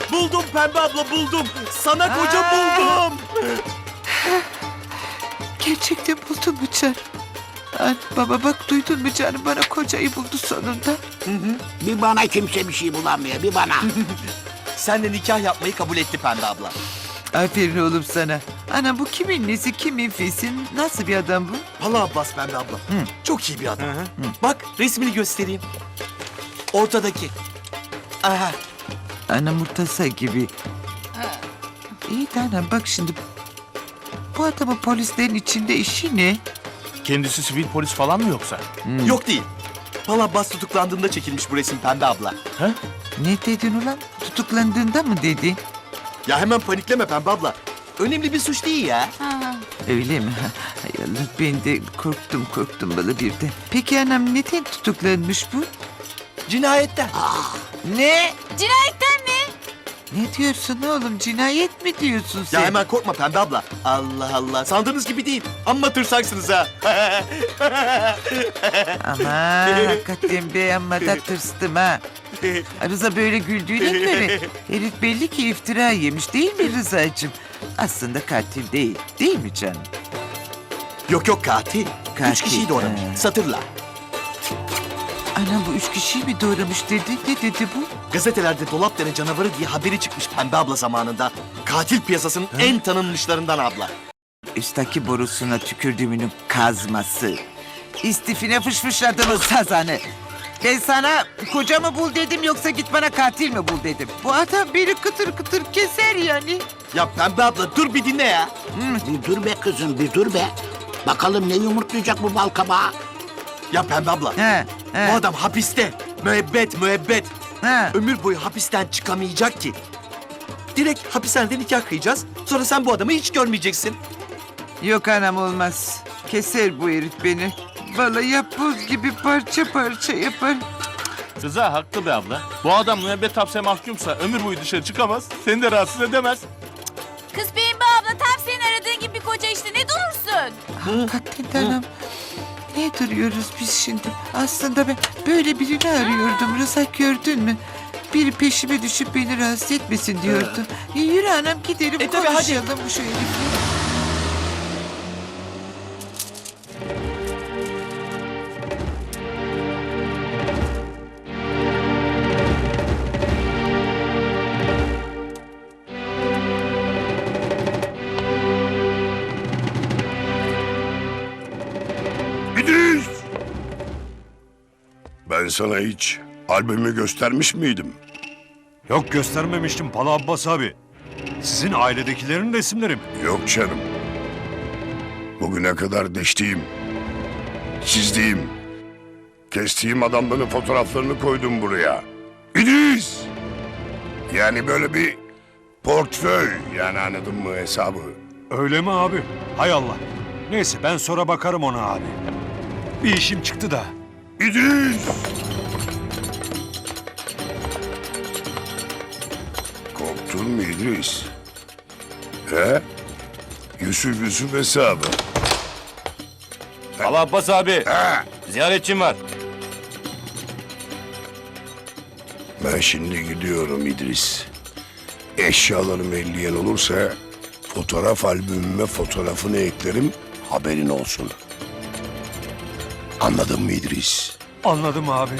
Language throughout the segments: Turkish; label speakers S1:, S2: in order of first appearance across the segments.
S1: Buldum Pembe abla, buldum. Sana koca buldum.
S2: Gerçekten buldun mu canım? Baba bak duydun mu canım, bana kocayı buldu sonunda.
S3: Bir bana kimse bir şey bulamıyor, bir bana.
S1: Senle nikah yapmayı kabul etti Pembe abla.
S2: Aferin oğlum sana. Ana bu kimin nesi, kimin fesi, nasıl bir adam bu?
S1: Pala Abbas Pembe abla. Çok iyi bir adam. Bak resmini göstereyim. Ortadaki. Aha.
S2: Ana Murtaza gibi. İyi de anam bak şimdi. Bu adamın polislerin içinde işi ne?
S4: Kendisi sivil polis falan mı yoksa?
S1: Yok değil. Pala Abbas tutuklandığında çekilmiş bu resim Pembe abla.
S2: Ne dedin ulan? Tutuklandığında mı dedin?
S1: Ya hemen panikleme Pembe abla. Önemli bir suç değil ya.
S2: Öyle mi? Hay Allah, ben de korktum bana birden. Peki anam neden tutuklanmış bu?
S1: Cinayetten.
S2: Ne?
S5: Cinayetten mi?
S2: Ne diyorsun oğlum? Cinayet mi diyorsun sen?
S1: Ya hemen korkma Pembe abla. Allah Allah. Sandığınız gibi değil. Amma tırsaksınız ha.
S2: Aman hakikaten be, amma da tırstım ha. Rıza böyle güldüğüne göre herif belli ki iftira yemiş değil mi Rıza'cığım? Aslında katil değil, değil mi canım?
S1: Yok katil.
S2: Katil,
S1: 3 kişiyi doğramış.
S2: he.
S1: Satırla.
S2: Anam bu 3 kişiyi mi doğramış dedi? Ne dedi bu?
S1: Gazetelerde Dolapdere canavarı diye haberi çıkmış Pembe abla zamanında. Katil piyasasının en tanınmışlarından abla.
S2: Üstteki borusuna tükürdüğümünün kazması. İstifine fışfışladınız sazanı. Ben sana kocamı bul dedim, yoksa git bana katil mi bul dedim. Bu adam beni kıtır kıtır keser yani.
S1: Ya Pembe abla dur bir dinle ya.
S3: Bir dur be kızım, bir dur be. Bakalım ne yumurtlayacak bu bal kabağı.
S1: Ya Pembe abla.
S2: He,
S1: Bu adam hapiste. Müebbet.
S2: he.
S1: Ömür boyu hapisten çıkamayacak ki. Direkt hapishanede nikah kıyacağız. Sonra sen bu adamı hiç görmeyeceksin.
S2: Yok anam, olmaz. Keser bu herif beni. Vallahi buz gibi parça parça yapar.
S4: Rıza haklı be abla. Bu adam müebbet hapse mahkumsa ömür boyu dışarı çıkamaz. Seni de rahatsız edemez.
S5: Kız Pembe abla tam senin aradığın gibi bir koca işte, ne durursun?
S2: Hakikaten anam. Ne duruyoruz biz şimdi? Aslında ben böyle birini arıyordum. Rıza, gördün mü? Biri peşime düşüp beni rahatsız etmesin diyordum. Yürü anam gidelim,
S1: tabii, hadi.
S2: konuşalım bu şu herifle.
S6: İdris! Ben sana hiç albümü göstermiş miydim?
S7: Yok, göstermemiştim Pala Abbas abi. Sizin ailedekilerin resimleri mi?
S6: Yok canım. Bugüne kadar deştiğim, çizdiğim, kestiğim adamların fotoğraflarını koydum buraya. İdris! Yani böyle bir portföy, yani anladın mı hesabı?
S7: Öyle mi abi? Hay Allah. Neyse, ben sonra bakarım ona abi. Bir işim çıktı da.
S6: İdris! Korktun mu İdris? He? Yusuf hesabı.
S8: Al Abbas abi.
S6: He?
S8: Ziyaretçim var.
S6: Ben şimdi gidiyorum İdris. Eşyalarımı elleyen olursa fotoğraf albümüme fotoğrafını eklerim, haberin olsun. Anladın mı İdris?
S7: Anladım abi.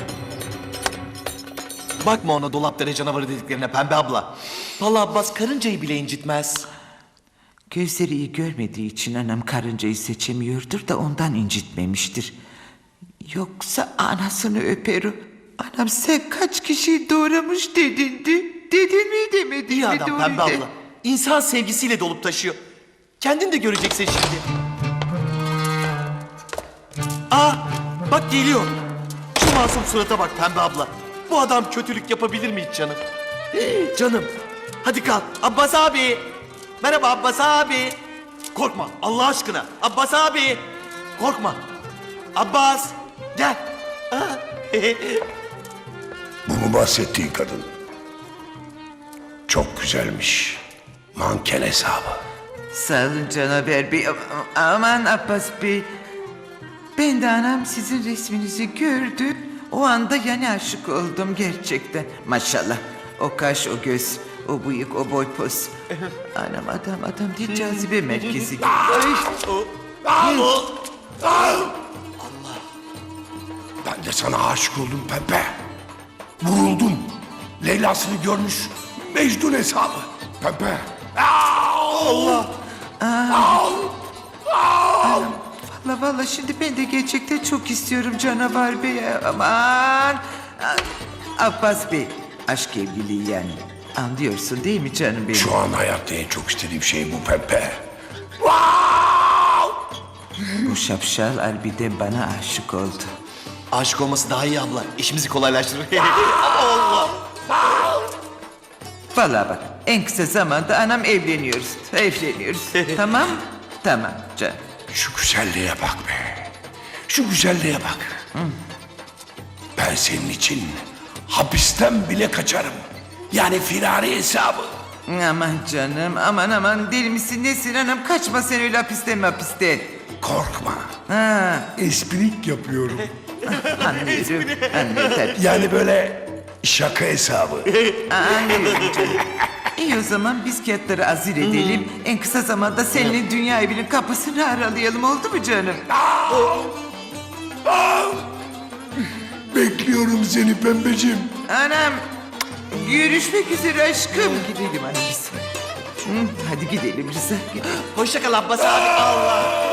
S1: Bakma ona Dolapdere canavarı dediklerine Pembe abla. Pala Abbas karıncayı bile incitmez.
S2: Gözleri iyi görmediği için anam karıncayı seçemiyordur da ondan incitmemiştir. Yoksa anasını öper o. Anam sen kaç kişiyi doğramış dedindi. Dedin mi demedin
S1: İyi
S2: mi
S1: adam
S2: doğru
S1: Pembe
S2: de.
S1: abla. İnsan sevgisiyle dolup taşıyor. Kendin de göreceksin şimdi. Aa bak geliyor. Şu masum surata bak Pembe abla. Bu adam kötülük yapabilir mi hiç canım? Canım. Hadi kalk. Abbas abi. Merhaba Abbas abi. Korkma Allah aşkına. Abbas abi. Korkma. Abbas. Gel.
S6: Bu mu bahsettiğin kadın? Çok güzelmiş. Manken hesabı.
S2: Sağ olun Canaber Bey. Aman Abbas Bey. Ben de anam sizin resminizi gördüm. O anda yani aşık oldum gerçekten. Maşallah. O kaş, o göz, O bıyık, o boy pos. Anam adam değil, cazibe merkezi gibi. Ay,
S6: Ben de sana aşık oldum Pembe. Vuruldum. Leyla'sını görmüş Mecnun hesabı. Pembe.
S2: Valla şimdi ben de gerçekten çok istiyorum canavar bey. Aman. Abbas Bey, aşk evliliği yani. Anlıyorsun değil mi canım benim?
S6: Şu an hayatta en çok istediğim şey bu Pembe.
S2: Bu şapşal harbiden bana aşık oldu.
S1: Aşık olması daha iyi abla. İşimizi kolaylaştırır.
S2: Vallahi bak, en kısa zamanda anam evleniyoruz. Tamam? Tamam canım.
S6: Şu güzelliğe bak be. Şu güzelliğe bak. Ben senin için hapisten bile kaçarım. Yani firari hesabı.
S2: Aman canım, aman deli misin nesin anam? Kaçma sen öyle hapiste.
S6: Korkma.
S2: Ha,
S6: Esprik yapıyorum.
S2: anlıyorum tabii.
S6: Yani böyle şaka hesabı.
S2: Anlıyorum canım. İyi o zaman biz kağıtları azir edelim. En kısa zamanda seninle dünya evinin kapısını aralayalım, oldu mu canım?
S6: Bekliyorum seni Pembeciğim.
S2: Anam, görüşmek üzere aşkım. Gidelim anam biz. Hadi gidelim Rıza.
S1: Hoşça kal Abbas abi. Allah.